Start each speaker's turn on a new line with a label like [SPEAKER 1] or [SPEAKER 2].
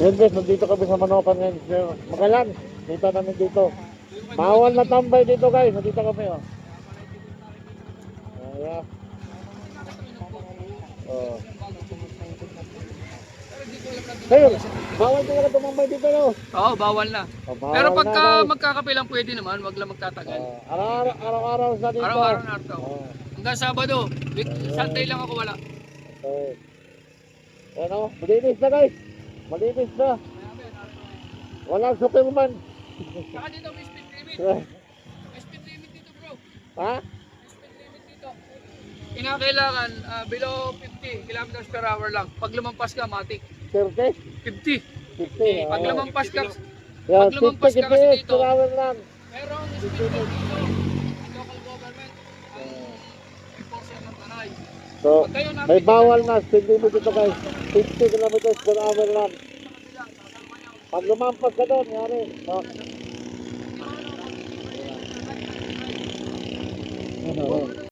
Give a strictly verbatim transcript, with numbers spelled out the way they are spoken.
[SPEAKER 1] Yun guys, nandito kami sa Manokan ngayon. Magalan, dito namin dito. Bawal na tambay dito guys, nandito kami oh. Ayan. Oh. Ngayon, bawal talaga tumambay dito no?
[SPEAKER 2] Oo, bawal na.
[SPEAKER 1] Oh, bawal
[SPEAKER 2] Pero
[SPEAKER 1] na,
[SPEAKER 2] pagka
[SPEAKER 1] guys.
[SPEAKER 2] magkakape lang pwede naman, wag lang magtatagal.
[SPEAKER 1] Oh, araw-araw, araw-araw sa dito.
[SPEAKER 2] Araw-araw na ito.
[SPEAKER 1] Oh.
[SPEAKER 2] Hanggang Sabado. Week- Sunday lang ako wala.
[SPEAKER 1] Okay. Ayan o, malinis na guys. Malinis na. Walang superman.
[SPEAKER 2] Saka dito may speed limit. May speed limit dito bro.
[SPEAKER 1] Ha?
[SPEAKER 2] May speed limit dito. Kinakailangan ah, below fifty kilometers per hour lang. Pag lumampas ka, matik.
[SPEAKER 1] thirty?
[SPEAKER 2] fifty.
[SPEAKER 1] fifty.
[SPEAKER 2] Pag lumampas ka,
[SPEAKER 1] Yan,
[SPEAKER 2] pag lumampas
[SPEAKER 1] fifty
[SPEAKER 2] ka kasi
[SPEAKER 1] kph
[SPEAKER 2] dito,
[SPEAKER 1] per hour lang.
[SPEAKER 2] merong speed limit dito. Ang local government, ang enforcer ng tanay.
[SPEAKER 1] So,
[SPEAKER 2] Pag kayo
[SPEAKER 1] may
[SPEAKER 2] nakikita-
[SPEAKER 1] bawal na speed limit dito guys. fifty kilometers per hour lang. Pag lumampas ka doon, yari. So,